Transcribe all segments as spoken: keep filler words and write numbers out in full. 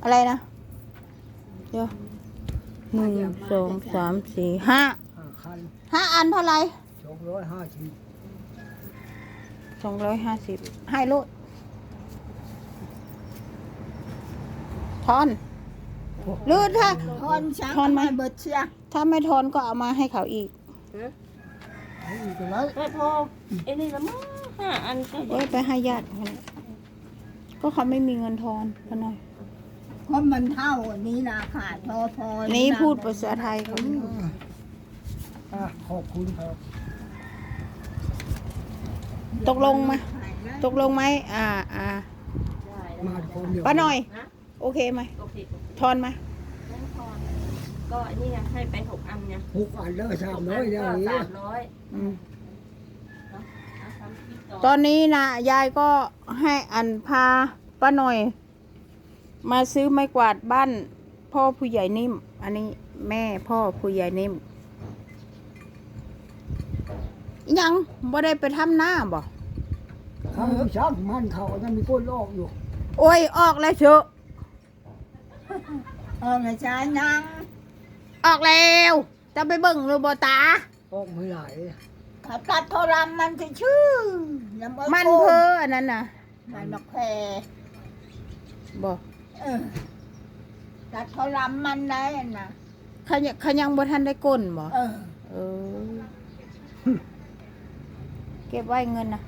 อะไรนะเดี๋ยวหนึ่งสองสามสี่ห้าห้าคันห้าอันเท่าไหร่สองร้อยห้าสิบสองร้อยห้าสิบให้ลูกทอนหรือถ้าทอนช้างทอนไหมเบิดเชียถ้าไม่ทอนก็เอามาให้เขาอีกเอาอีกไรไม่พอไอ้นี่ละมั้งห้าอันก็เอ้ยไปให้ญาติเขาเลยก็เขาไม่มีเงินทอนเขาหน่อยเพราะมันเท่านี้นะขาดพอพอนี่พูดภาษาไทยเขาอ่ะขอบคุณครับตกลงไหมตกลงไหมอ่าอ่าได้แล้วมาคนเดียวป้าหน่อยนะโอเคไหมโอเคทอนไหมไม่พอก็อันนี้ไงให้ไปหกอันเนี่ยหกอันแล้วสามหร้อก ยนอย่างก็นี้สามร้อยอืมเนาะเอาทำคลิปต่อตอนนี้นะยายก็ให้อันพาป้าหน่อย มาซื้อไม้กวาดบ้านพ่อผู้ใหญ่นิ่ม อันนี้แม่พ่อผู้ใหญ่นิ่มอิหยังบ่ได้ไปทำหน้าบ่เขาชักมันเขายังมีก้นลอกอยู่โอ้ยออกแล้วเชอะเออไม่ใช่นางออกแล้วจะไปเบิ่งหรือบ่ตาออกไม่ไหลเขาตัดโทรมมันคือชื่อยังบ่มันโกงเพ้ออันนั้นน่ะมันบักแพรบ่เออตัดโทรมมันได้นะเขายังเขายังบ่ทันได้ก้นบ่เออเออ เก็บไว้เงินนะ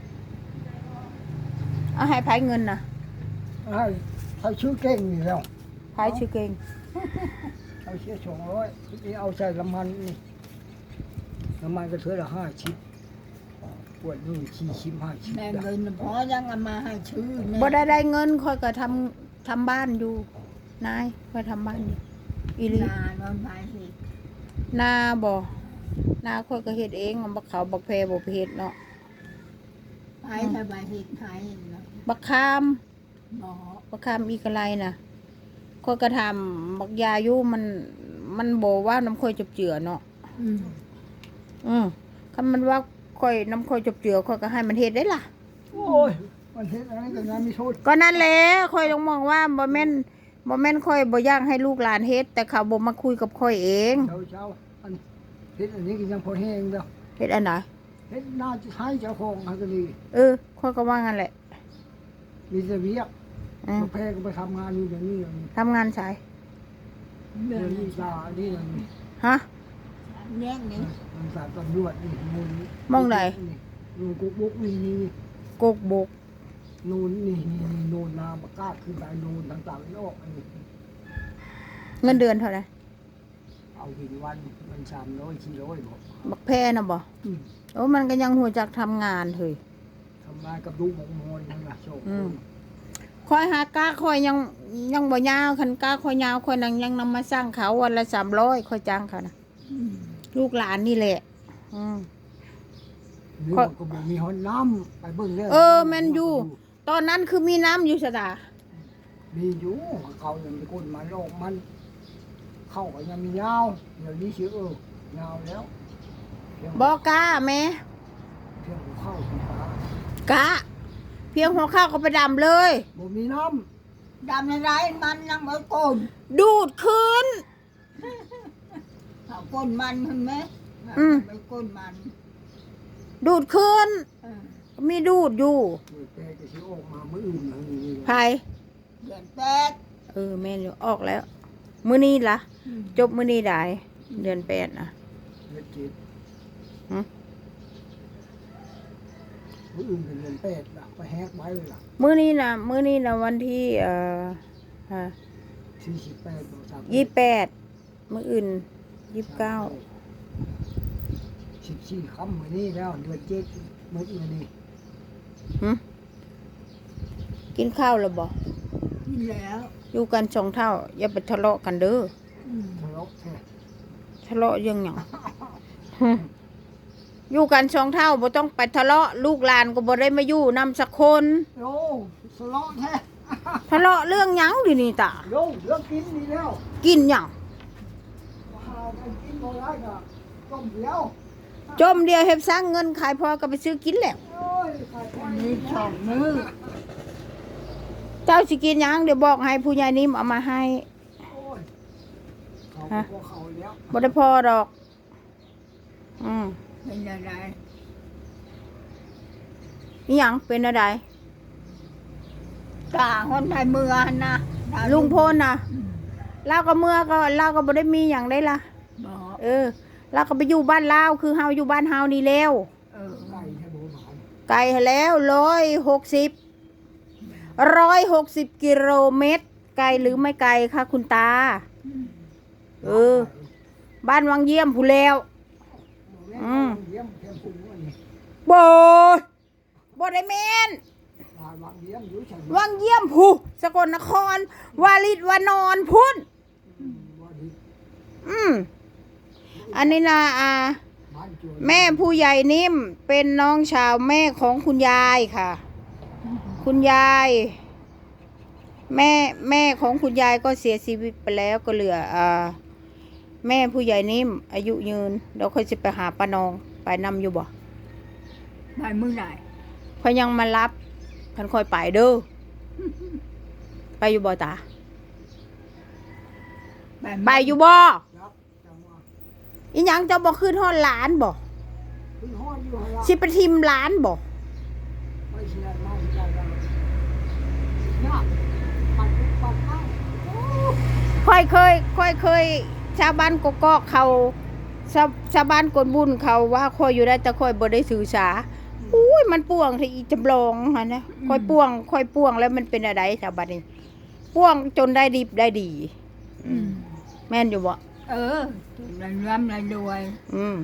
เอาให้ไผเงินนะให้ให้ชื่อเก่งนี่แล้วไผชื่อเก่งเอาเชื่อสองร้อยนี่เอาใส่น้ำมันนี่น้ำมันก็เท่าละห้าชิปปวดนู่นชี้ชิมห้าชิปแม่เงินพอยังเอามาให้ชื่อเนี่ยบ่ได้ได้เงินค่อยก็ทำทำบ้านอยู่นายค่อยทำบ้านอยู่อีหลีนานวันไปสินาบ่นาค่อยก็เฮ็ดเองบักเขาบักแพรบ่ไปเฮ็ดเนาะไปสบายสิไทยเนาะบักคามหมอบักคามอีกอะไรน่ะค่อยก็ทำบักยาอยู่มันมันบ่ว่าน้ำค่อยจบเจือเนาะอืมอืมคันมันว่าค่อยน้ำค่อยจบเจือค่อยก็ให้มันเฮ็ดได้ล่ะโอ้ยมันเห็นอะไรกันงานมีโทษก็นั่นแหละค่อยต้องมองว่าบ่แม่นบ่แม่นค่อยบ่อยากให้ลูกหลานเฮ็ดแต่เขาบ่มาคุยกับค่อยเองเช้าเช้าอันเห็นอันนี้ก็ยังพอแห้งแล้วเฮ็ดอันไหนเห็นน่าจะใช้เจ้าของอันก็ดีเออค่อยก็ว่างั้นแหละมีแต่เวียกอืมมาแพ้ก็ไปทำงานอยู่อย่างนี้อย่างนี้ทำงานสายเรื่เรื่ออง งนี้นี้ตานี่อย่างนี้ฮะแย่งนี้มันสารตำรวจนี่มูลมองไหนนูนกุ๊กบุ๊กนี่นี่กกบกนูนนี่นี่นี่นูนนาบกาดขึ้นไปนูนต่างๆนี่ออกอันนี้เงินเดือนเท่าไหร่เอาหินวันมันสามร้อยสี่ร้อยบอกบักแพน่ะบ่อืมโอ้มันก็ยังหัวจักทำงานเฮ้ยทำงานกับลูกหมกมอนนั่นนะโชคอืม ค่อยหากาค่อยยังยังบ่ยาวคันกาค่อยยาวค่อยนังยังนำมาสร้างเขาวันละสามร้อยค่อยจ้างเขานะอืมลูกหลานนี่แหละอืมหรือมันก็บอกมีห้องน้ำไปเบิ่งเรื่องเออแม่นอยู่ ตอนนั้นคือมีน้ำอยู่สตามีอยู่เขายังมีคนมาโลกมัน เข้าก็ยังมียาวเดี๋ยวนี้ชื่อเออยาวแล้วเพียงบ่กล้าแม่เพียงหัวเข้าสีฟ้ากะ เพียงหัวข้าวก็ไปดำเลยบ่มีน้ดำในไรมันยังไม่โกนดูดคืนเอาก้นมันเห็นไหมอืมไปก้นมันดูดคืนเออมีดูดอยู่ำมือแกจะชื่อออกมามืออื่นนะนี่ไผเดือนแปดเออแม่นอยู่ออกแล้ว มื้อนี้ล่ะอืมจบมื้อนี้ได้เดือนแปดนะเดือนเจ็ดหึมืออื่นเป็นเดือนแปดล่ะไปแฮกไว้เลยล่ะมื้อนี้น่ะมื้อนี้น่ะวันที่เอ่อฮะสี่สิบแปดบอกสามยี่สิบแปดมื้ออื่นยี่สิบเก้าสิบสี่คำมือนี้แล้วเดือนเจ็ดมืออื่นนี่หึกินข้าวแล้วบ่กินแล้วอยู่กันสองเท่า อย่าไปทะเลาะกันเด้ออืมทะเลาะแท้ทะเลาะเรื่องหยัง หึอยู่กันสองเท่าบ่ต้องไปทะเลาะลูกหลานก็บ่ได้มาอยู่นำสักคนโอ้ทะเลาะแท้ทะเลาะเรื่องหยังดินี่ตาโยเรื่องกินนี่แล้วกินหยังหาไปกินบ่ได้ก็ต้มเดียวจมเดียวเฮ็ดสร้างเงินขายพอก็ไปซื้อกินแล้วโอ้ยขายไปมีสองมือตเจ้าสิกินหยังเดี๋ยวบอกให้ผู้ใหญ่นิ่มเอามาให้โอ้ยเขาฮะก็เขาแล้วบ่ได้พอดอก อืมเป็นอะไรอีหยังเป็นอะไรตาคนไทยเมืองนะตาลุงพลน่ะเราก็เมื่อก็เราก็บ่ได้มีหยังได้ล่ะบอกเออเราก็ไปอยู่บ้านลาวคือเฮาอยู่บ้านเฮานี่แล้วเออไก่ให้ดูหมาไกลแล้วร้อยหกสิบร้อยหกสิบกิโลเมตร ไกลหรือไม่ไกลคะคุณตา เออ บ้านวังเยี่ยมผู้แล้ว อืมเยี่ยมเพียงคุณว่านี่บ่บ่ได้แม่นลายวางเยี่ยมอยู่ฉันวังเยี่ยมผู้สกลนคร วาลิดวานอนพุ่นว่าดีอืมอันนี้นะอ่าบ้านจวนแม่ผู้ใหญ่นิ่มเป็นน้องชาวแม่ของคุณยายค่ะ คุณยาย แม่แม่ของคุณยายก็เสียชีวิตไปแล้วก็เหลืออ่าแม่ผู้ใหญ่นิ่ม อายุยืนเดี๋ยวค่อยจะไปหาป้านองไปนำอยู่บ่ไปเมื่อไหร่เพอยังมารับพันคอยไปเด้อไปอยู่บ่ตาไปไปอยู่บ่ยับจังว่าอีหยังเจะบ่ขึ้นฮอดหลานบ่คุณห้อยอยู่ฮะละสิไปทิมหลานบ่ไม่ใช่ไม่ใช่กันเนี่ยปัดปัดเข้าค่อยเคยค่อยเคย ชาวบ้านกกอกเขาชาวชาวบ้านกนบุญเขาว่าค่อยอยู่ได้แต่ค่อยบ่ได้สื่อสาอุ้ยมันป่วงที่อีจำลองหั่นนะค่อยป่วงค่อยป่วงแล้วมันเป็นอะไรชาวบ้านนี่ป่วงจนได้ดีได้ดีอืมแม่นอยู่บ่เออรายร่ำรายรวยอืม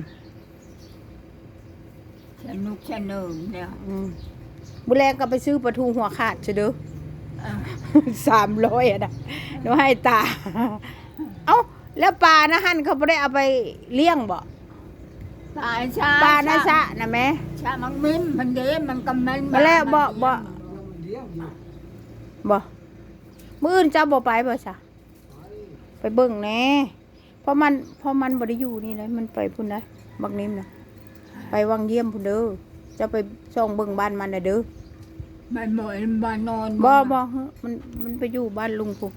สนุกสนุกเนี่ยอืมบุแรงก็ไปซื้อปลาทูหัวขาดเฉยเด้อเออสามร้อยอ่ะนะเดี๋ยวให้ตา เอ้าแล้วปลานะฮั่นเขาไม่ได้เอาไปเลี้ยงบ่ปลาชาปลานะซะนะแม่ชามันมิ้มมันเด้มันก็มันมาแล้วบ่บ่เลี้ยงอยู่บ่มื้ออื่นเจ้าบ่ไปบ่ซะไปไปเบิ่งแหน่เพราะมันเพราะมันบ่ได้อยู่นี่เลยมันไปพุ่นนะบักนิ่มนะไปวังเยี่ยมพุ่นเด้อจะไปส่องเบิ่งบ้านมันน่ะเด้อมันหมดมันนอนบ่บ่เฮ้อมันมันไปอยู่บ้านลุงพุ่น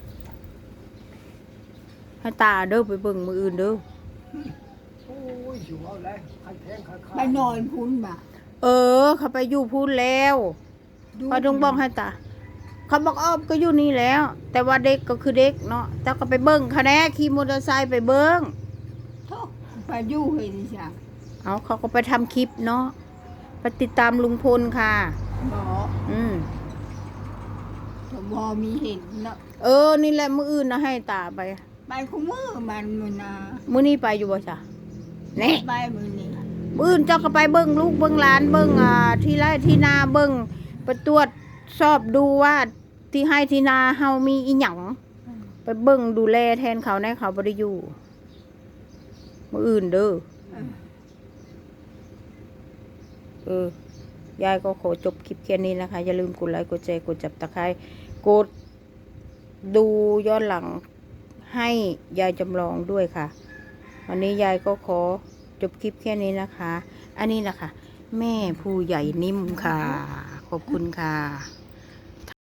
ให้ตาเด้อไปเบิ่งมื้ออื่นเด้อโอ้ยอยู่เอาเลยใครแทงใครฆ่าไปนอนพุ้นบ่ะเออ เขาไปอยู่พุ่นแล้วพอต้องบอกให้ตาเขาบอกอ้อมก็อยู่นี่แล้ว แต่ว่าเด็กก็คือเด็กเนาะแต่ก็ไปเบิ้งคะแนนขี่มอเตอร์ไซค์ไปเบิ้งโธ่ไปอยู่เห็นจ้ะเอาเขาก็ไปทำคลิปเนาะไปติดตามลุงพลค่ะบอกอืมแต่พอมีเห็นเนาะเออนี่แหละมื้ออื่นนะให้ตาไปไปคู่มือมันมือนามื้อนี้ไปอยู่บ่จ้ะนี่ไปมือนี้มื้ออื่นเจ้าก็ไปเบิ้งลูกเบิ้งหลานเบิ้งอ่าที่ไร่ที่นาเบิ้งไปตรวจสอบดูว่าที่ให้ที่นาเฮามีอีหยังไปเบิ้งดูแลแทนเขาในเขาบ่ได้อยู่มื้ออื่นเด้อเออเออยายก็ขอจบคลิปแค่นี้นะคะ อย่าลืมกดไลค์กดแชร์กดจับตะไคร้กดดูย้อนหลังให้ยายจำลองด้วยค่ะ วันนี้ยายก็ขอจบคลิปแค่นี้นะคะ อันนี้นะคะ แม่ผู้ใหญ่นิ่มค่ะ ขอบคุณค่ะ